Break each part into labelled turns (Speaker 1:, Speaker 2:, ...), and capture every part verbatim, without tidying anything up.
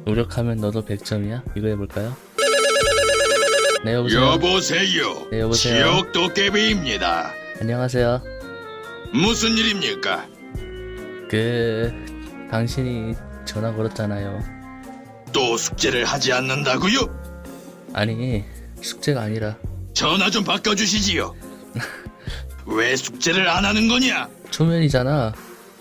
Speaker 1: 노력하면 너도 백 점이야? 이거 해볼까요? 네 여보세요.
Speaker 2: 여보세요.
Speaker 1: 네, 여보세요.
Speaker 2: 지역 도깨비입니다.
Speaker 1: 안녕하세요.
Speaker 2: 무슨 일입니까?
Speaker 1: 그 당신이 전화 걸었잖아요.
Speaker 2: 또 숙제를 하지 않는다고요?
Speaker 1: 아니 숙제가 아니라
Speaker 2: 전화 좀 바꿔주시지요. 왜 숙제를 안 하는 거냐?
Speaker 1: 초면이잖아.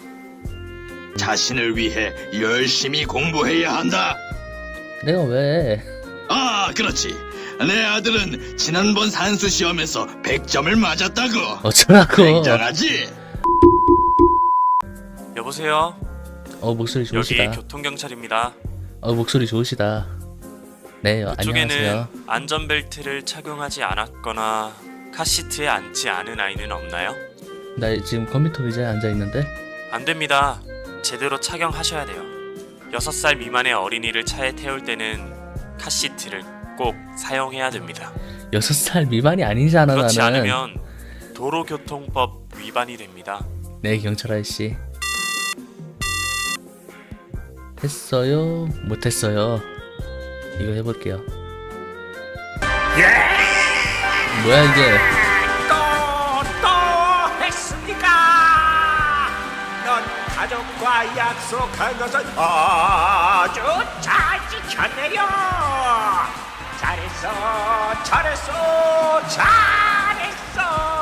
Speaker 2: 자신을 위해 열심히 공부해야 한다.
Speaker 1: 내가 왜?
Speaker 2: 아, 그렇지. 내 아들은 지난번 산수 시험에서 백 점을 맞았다고.
Speaker 1: 어쩌라고.
Speaker 2: 굉장하지?
Speaker 3: 여보세요?
Speaker 1: 어 목소리
Speaker 3: 여기
Speaker 1: 좋으시다.
Speaker 3: 교통경찰입니다.
Speaker 1: 어 목소리 좋으시다. 네 어,
Speaker 3: 그쪽에는
Speaker 1: 안녕하세요.
Speaker 3: 안전벨트를 착용하지 않았거나 카시트에 앉지 않은 아이는 없나요?
Speaker 1: 나 지금 컴퓨터 의자에 앉아 있는데.
Speaker 3: 안 됩니다. 제대로 착용하셔야 돼요. 여섯 살 미만의 어린이를 차에 태울 때는 카시트를 꼭 사용해야 됩니다.
Speaker 1: 여섯 살 미만이 아니잖아
Speaker 3: 그렇지
Speaker 1: 나는.
Speaker 3: 않으면 도로교통법 위반이 됩니다.
Speaker 1: 네 경찰 아저씨. 했어요? 못했어요? 이거 해볼게요. 뭐야 이게?
Speaker 4: 또, 또 했습니까? 넌 가족과 약속한 것은 아주 잘 지켰네요. 잘했어, 잘했어, 잘했어.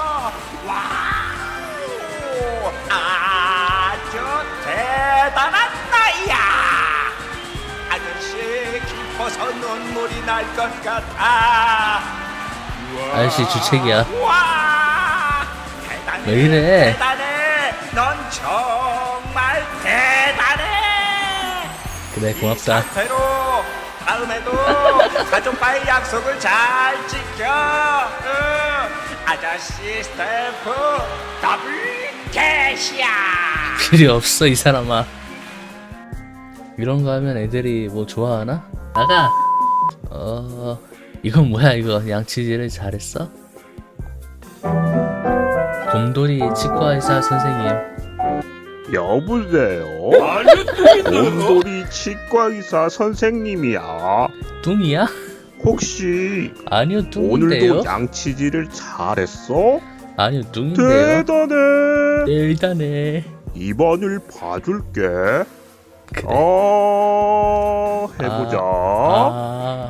Speaker 4: 와우, 아주 대단한 나이야. 아저씨 기뻐서 눈물이 날 것 같아.
Speaker 1: 아저씨 주책이야.
Speaker 4: 와, 대단해.
Speaker 1: 왜 이래?
Speaker 4: 대단해. 넌 정말 대단해.
Speaker 1: 그래
Speaker 4: 이
Speaker 1: 고맙다.
Speaker 4: 상태로 다음에도 가족과의 약속을 잘 지켜. 응. 아저씨 스태프 더블 캐시야.
Speaker 1: 필요 없어 이 사람아. 이런 거 하면 애들이 뭐 좋아하나? 나가. 어 이건 뭐야 이거? 양치질을 잘했어? 곰돌이 치과의사 선생님.
Speaker 5: 여보세요? 곰돌이 치과의사 선생님이야.
Speaker 1: 뚱이야?
Speaker 5: 혹시
Speaker 1: 아니요 뚱인데요?
Speaker 5: 오늘도 양치질을 잘했어?
Speaker 1: 아니요 뚱인데요?
Speaker 5: 대단해.
Speaker 1: 네, 일단해.
Speaker 5: 입안을 봐줄게.
Speaker 1: 그래.
Speaker 5: 어, 해보자.
Speaker 1: 아,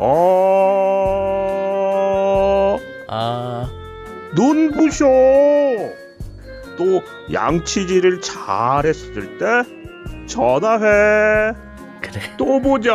Speaker 5: 어,
Speaker 1: 아,
Speaker 5: 눈 부셔. 또 양치질을 잘했을 때 전화해.
Speaker 1: 그래.
Speaker 5: 또 보자.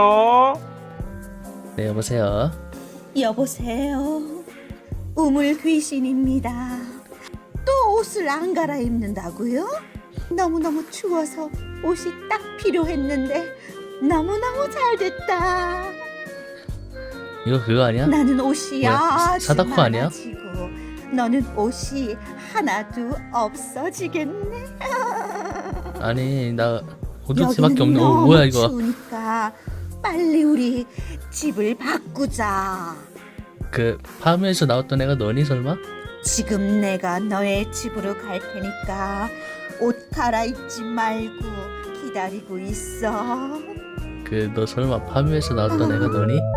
Speaker 1: 네 여보세요.
Speaker 6: 여보세요. 우물 귀신입니다. 또 옷을 안 갈아입는다고요? 너무너무 추워서 옷이 딱 필요했는데 너무너무 잘 됐다.
Speaker 1: 이거 그거 아니야?
Speaker 6: 나는 옷이
Speaker 1: 뭐야?
Speaker 6: 아주
Speaker 1: 사다코 아니야?
Speaker 6: 많아지고 너는 옷이 하나도 없어지겠네.
Speaker 1: 아니 나 호두치밖에
Speaker 6: 여기는
Speaker 1: 없는. 어
Speaker 6: 너무
Speaker 1: 뭐야 이거?
Speaker 6: 추우니까 빨리 우리 집을 바꾸자.
Speaker 1: 그 파묘에서 나왔던 애가 너니 설마?
Speaker 6: 지금 내가 너의 집으로 갈 테니까 옷 갈아입지 말고 기다리고 있어.
Speaker 1: 그 너 설마 파묘에서 나왔던 애가 너니?